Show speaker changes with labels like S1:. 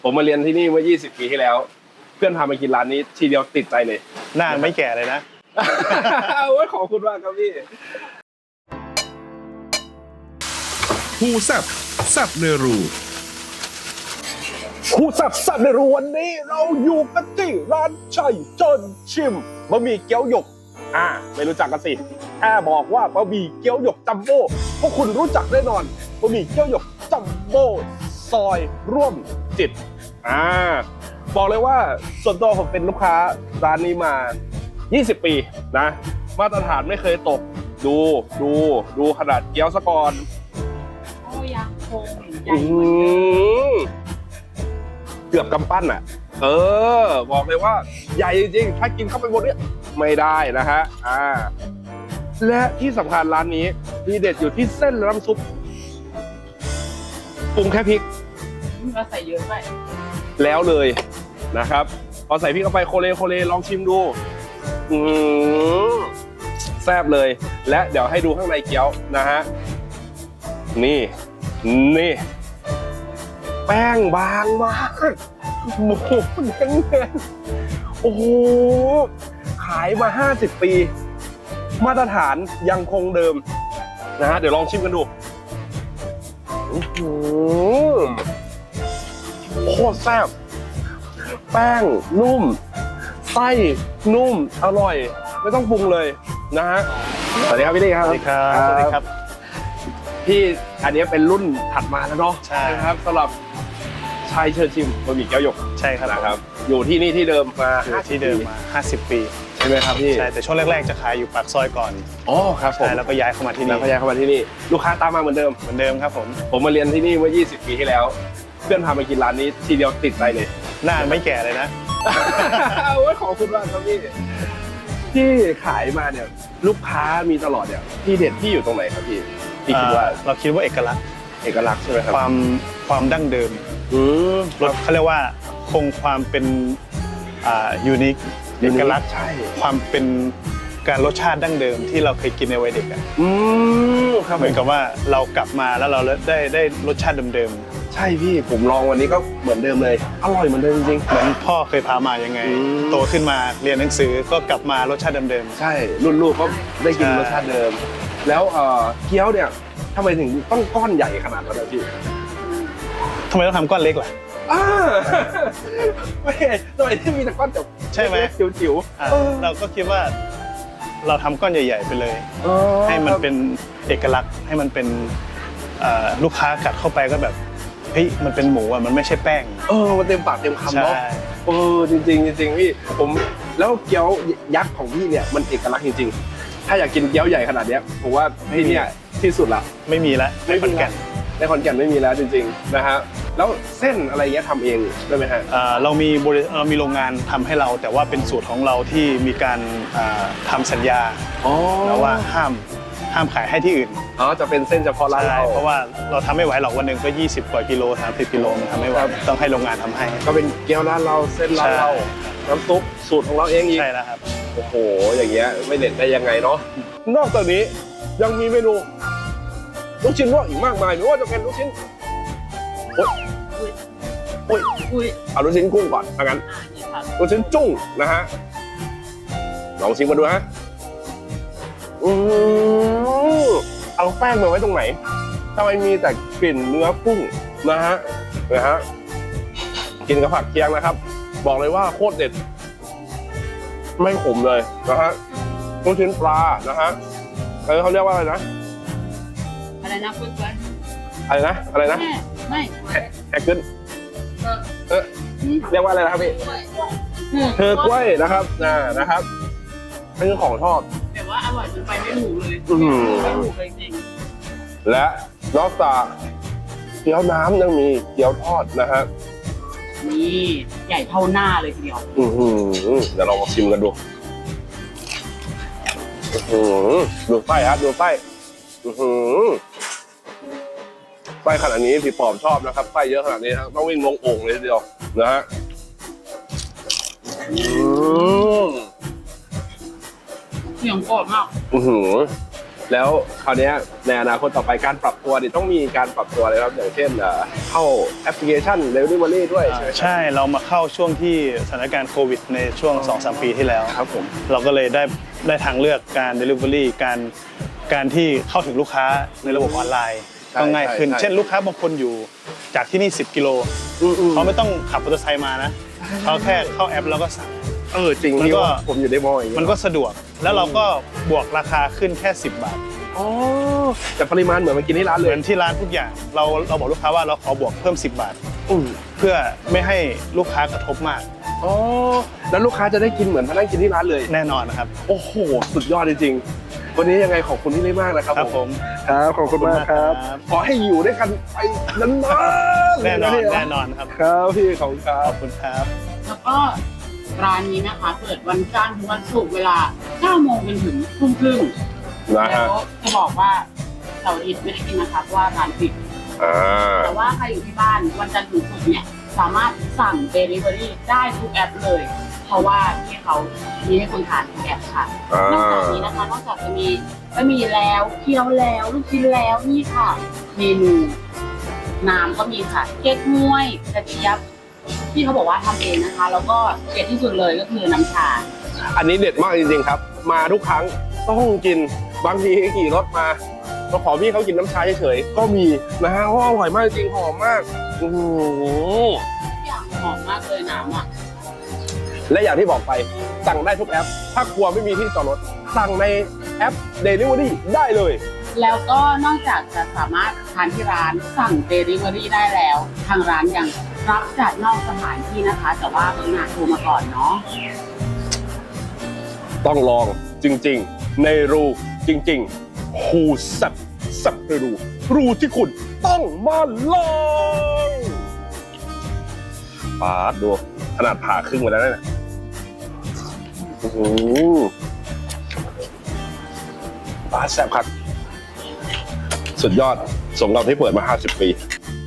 S1: ผมมาเรียนที่นี่เมื่อ20 ปีที่แล้วเพื่อนพามากินร้านนี้ทีเดียวติดใจเลย
S2: หน้าไม่แก่เลยนะ
S1: โอ้ยขอบคุณมากครับพี่
S3: ฮูแซบแซบเนรู
S1: คู่สับในรูวันนี้เราอยู่กันที่ร้านชัยเจินชิมบะหมี่เกี๊ยวหยกไม่รู้จักกันสิแค่บอกว่าบะหมี่เกี๊ยวหยกจัมโบ้พวกคุณรู้จักแน่นอนบะหมี่เกี๊ยวหยกจัมโบ้ซอยร่วมจิตบอกเลยว่าส่วนตัวผมเป็นลูกค้าร้านนี้มา 20 ปีนะมาตรฐานไม่เคยตกดูขนาดเกี๊ยวซะก่อน
S4: โอ้ยังคงใหญ่เหมือนเดิม
S1: เกือบกำปั้นบอกเลยว่าใหญ่จริงๆถ้ากินเข้าไปบนเนี้ยไม่ได้นะฮะและที่สำคัญร้านนี้มีเด็ดอยู่ที่เส้นและน้ำซุปปรุงแค่พริก
S4: เราใส่เยอะไป
S1: แล้วเลยนะครับพอใส่พริกเข้าไปโคเลลองชิมดูแซ่บเลยและเดี๋ยวให้ดูข้างในเกี๊ยวนะฮะนี่แป้งบางมากหมูเน้นๆโอ้โหขายมา50 ปีมาตรฐานยังคงเดิมนะฮะเดี๋ยวลองชิมกันดูโคตรแซ่บแป้งนุ่มไส้นุ่มอร่อยไม่ต้องปรุงเลยนะฮะสวัสดีครับพี่ลี่ครับ
S2: สวัสดีครับสวัสดีครับ
S1: พี่อันนี้เป็นรุ่นถัดมาแล้วเนาะ
S2: ใช่
S1: ครับสำหรับชัยเชิญชิมบะหมี่เกี๊ยวหยก
S2: ใช่ครับ
S1: นะครับอยู่ที่นี่ที่เดิมมา
S2: อยู่ที่เดิมมา 50 ปี
S1: ใช่ไหมครับพี่
S2: ใช่แต่ช่วงแรกๆจะขายอยู่ปากซอยก่อน
S1: อ๋อครับผม
S2: ใช่แล้วก็ย้ายเข้ามาที่
S1: แล้
S2: นี่
S1: วก็ย้ายเข้ามาที่นี่ลูกค้าตามมาเหมือนเดิม
S2: เหมือนเดิมครับผม
S1: ผมมาเรียนที่นี่เมื่อ20 ปีที่แล้วเพื่อนพามากินร้านนี้ทีเดียวติดใจเลย
S2: หน้าไม่แก่เลยนะ
S1: โอ้ยขอบคุณมากครับพี่ที่ขายมาเนี่ยลูกค้ามีตลอดเนี่ยที่เด็ดที่อยู่ตรงไหนครับพี่คิดว่า
S2: เราคิดว่าเอกลักษณ์
S1: เอกลักษณ์ใช่ไหมครับ
S2: ความดั้งเดิม
S1: รส
S2: เขาเรียกว่าคงความเป็นยูนิคเอกลักษณ์
S1: ใช่
S2: ความเป็นการรสชาติดั้งเดิมที่เราเคยกินในวัยเด็กอะ
S1: ครับ
S2: เหมือนกับว่าเรากลับมาแล้วเราได้รสชาติเดิม
S1: ใช่พี่ผมลองวันนี้ก็เหมือนเดิมเลยอร่อยเหมือนเดิมจริง
S2: ๆเหมือนพ่อเคยพามายังไง โตขึ้นมาเรียนหนังสือก็กลับมารสชาติเดิม
S1: ๆใช่รุ่นลูกก็ได้กิน
S2: ใช่
S1: รสชาติเดิม แล้วเกี๊ยวเนี่ยทำไมถึงต้องก้อนใหญ่ขนาดนั้นนะพี่
S2: ๆทำไมต้องทำก้อนเล็กล่ะ
S1: ไม่ทำไมที่มีแต่ก้อนจับ
S2: ใช่ไหม
S1: จิ๋ว
S2: เราก็คิดว่าเราทำก้อนใหญ่ ๆ ไปเลย ให้มันเป็นเอกลักษณ์ให้มันเป็นลูกค้ากัดเข้าไปก็แบบเฮ้ยมันเป็นหมูอ่ะมันไม่ใช่แป้ง
S1: มันเต็มปากเต็มคำ
S2: ใช่
S1: เนาะจริงพี่ผมแล้วเกี๊ยวยักษ์ของพี่เนี่ยมันเอกลักษณ์จริงๆถ้าอยากกินเกี๊ยวใหญ่ขนาดเนี้ยผมว่าที่เนี่ยที่สุดละ
S2: ไม่มีละ
S1: ไม่มี
S2: ขอนแก่น
S1: ในขอนแก่นไม่มีแล้วจริงๆนะฮะแล้วเส้นอะไรเงี้ยทำเองได้ไหมฮะ
S2: เรามีโรงงานทำให้เราแต่ว่าเป็นสูตรของเราที่มีการทำสัญญาแล้วว่าห้ามขายให้ที่อื่น
S1: จะเป็นเส้นเฉพาะร้าน
S2: ใช่
S1: เรา
S2: เพราะว่าเราทำไม่ไหวหรอกวันหนึ่งก็20 กว่ากิโล30 กิโลมันทำไม่ไหวต้องให้โรงงานทำให้
S1: ก็เป็นเกี๊ยวร้านเราเส้นร้านเรา
S2: ใช่
S1: น้ำซุปสูตรของเราเองอีก
S2: ใช่แล้วครับ
S1: โอ้โหอย่างเงี้ยไม่เด็ดได้ยังไงเนาะนอกจากนี้ยังมีเมนูลูกชิ้นลวกอีกมากมายไม่ว่าจะเป็นลูกชิ้น
S4: อุ้ย
S1: เอาลูกชิ้นกุ้งก่อนถ้างั้น
S4: นี่ค่ะ
S1: ลูกชิ้นจุ้งนะฮะลองชิมมาดูฮะเอาแป้งมาไว้ตรงไหนทำไมมีแต่กลิ่นเนื้อกุ้งนะฮะกินกับผักเคียงนะครับ บอกเลยว่าโคตรเด็ด ไม่ขมเลยนะฮะลูกชิ้นปลานะฮะเขาเรียกว่าอะไรนะ
S4: อะไรนะคุณก้อย
S1: อะไรนะ
S4: ไม่
S1: แอกเกิลเรียกว่าอะไรนะครับพี่เธอกล้วยนะครับนะครับเป็นของทอด
S4: แต่ว่าอร่อยจนไปไม่ถูกเลย
S1: อื้อหือ
S4: ไม่ถูกเลยจริง
S1: และนอกจากเกี๊ยวน้ำยังมีเกี๊ยวทอดนะฮะ
S4: นี่ใหญ่เท่าหน้าเลยทีเดียว
S1: เดี๋ยวเรามาชิมกันดูดูไส้ครับดูไส้ไส้ขนาดนี้พี่ปอบชอบนะครับไส้เยอะขนาดนี้ต้องวิ่งลงโอ่งเลยทีเดียวนะฮะ
S4: เสียงกรอบมาก
S1: จแล้วคราวเนี้ยในอนาคตต่อไปการปรับตัวเนี่ยต้องมีการปรับตัวอะไรครับอย่างเช่นเข้าแอปพลิเคชัน Delivery ด้วยใช่ไหมครับ
S2: ใช่เรามาเข้าช่วงที่สถานการณ์โควิดในช่วง 2-3 ปีที่แล้ว
S1: ครับผม
S2: เราก็เลยได้ทางเลือกการ Delivery การที่เข้าถึงลูกค้าในระบบออนไลน์
S1: ใช่
S2: ก็ง่ายขึ้น
S1: ใช่
S2: เช่นลูกค้าบางคนอยู่จากที่นี่10 กิโลเขาไม่ต้องขับมอเตอร์ไซค์มานะเขาแค่เข้าแอปแล้วก็สั่ง
S1: จริง
S2: มันก็
S1: ผมอยู่ในมออย่างเงี้ย
S2: มันก็สะดวกแล้วเราก็บวกราคาขึ้นแค่10 บาท
S1: อ๋อแต่ปริมาณเหมือนมากินที่ร้าน
S2: เห
S1: เล
S2: มื
S1: ย
S2: อนที่ร้านทุกอย่างเราบอกลูกค้าว่าเราขอบวกเพิ่ม10 บาท
S1: อืม
S2: เพื่อไม่ให้ลูกค้ากระทบมาก
S1: อ๋อแล้วลูกค้าจะได้กินเหมือนมานั่งกินที่ร้านเลย
S2: แน่นอนนะครับ
S1: โอ้โหสุดยอดจริงๆวันนี้ยังไงขอบคุณที่ได้มากนะครับ
S2: ครับผม
S1: ครับขอบคุณมากครับ
S2: ครับ
S1: ขอให้อยู่ด้วยกันไปนานๆ
S2: แน่นอน
S1: เลยะ
S2: แน่นอนครับ
S1: ครับพี่ขอบคุณครั
S2: ข
S1: บ
S2: อบคุณครับ
S4: แล้วก็ร้านนี้นะคะ เปิดวันจันทร์ถึงวันศุกร์เวลา 9 โมงจนถึงทุ่มครึ่ง
S1: นะ
S4: แล้
S1: ฮะ
S4: วจะบอกว่าเสาร์อาทิตย์ไม่ได้กินนะคะเพราะว่าร้านปิด
S1: อ่า
S4: แต่ว่าใครอยู่ที่บ้านวันจันทร์ถึงศุกร์เนี่ยสามารถสั่ง Delivery ได้ทุกแอปเลย เพราะว่าที่เขามีให้คนทานทุกแอปค่ะ นอกจากนี้นะคะนอกจากจะมีบะหมี่แล้วเกี๊ยวแล้วลูกชิ้นแล้วนี่ค่ะ เมนูน้ำก็มีค่ะเก๊กฮวยกระเจี๊ยบที่เขาบอกว่าทำเองนะคะ แล้วก็เด็ดที่สุดเลยก็คือน้ำชา
S1: อันนี้เด็ดมากจริงๆครับ มาทุกครั้งต้องกินบางทีขี่รถมาเราขอพี่เขากินน้ำชาเฉยๆก็มีนะฮะเพราะอร่อยมากจริงหอมมากโอ้โห
S4: ทุกอย่างหอมมากเลยน้ำอ่ะ
S1: และอย่างที่บอกไปสั่งได้ทุกแอป ถ้ากลัวไม่มีที่จอดรถสั่งในแอป Delivery ได้เลย
S4: แล้วก็นอกจากจะสามารถทานที่ร้านสั่ง Delivery ได้แล้ว ทางร้านยังรับจัดนอกสถานที่นะคะ แต่ว่าต้องงานโทรมาก่อนเนาะ
S1: ต้องลองจริงๆ ในรูจริงๆฮูสับสับในรูที่คุณต้องมาลองปาดดูขนาดผ่าครึ่งไปแล้วเนี่ยโอ้โหปาดแซ่บครับสุดยอดสมกับที่เปิดมา 50 ปี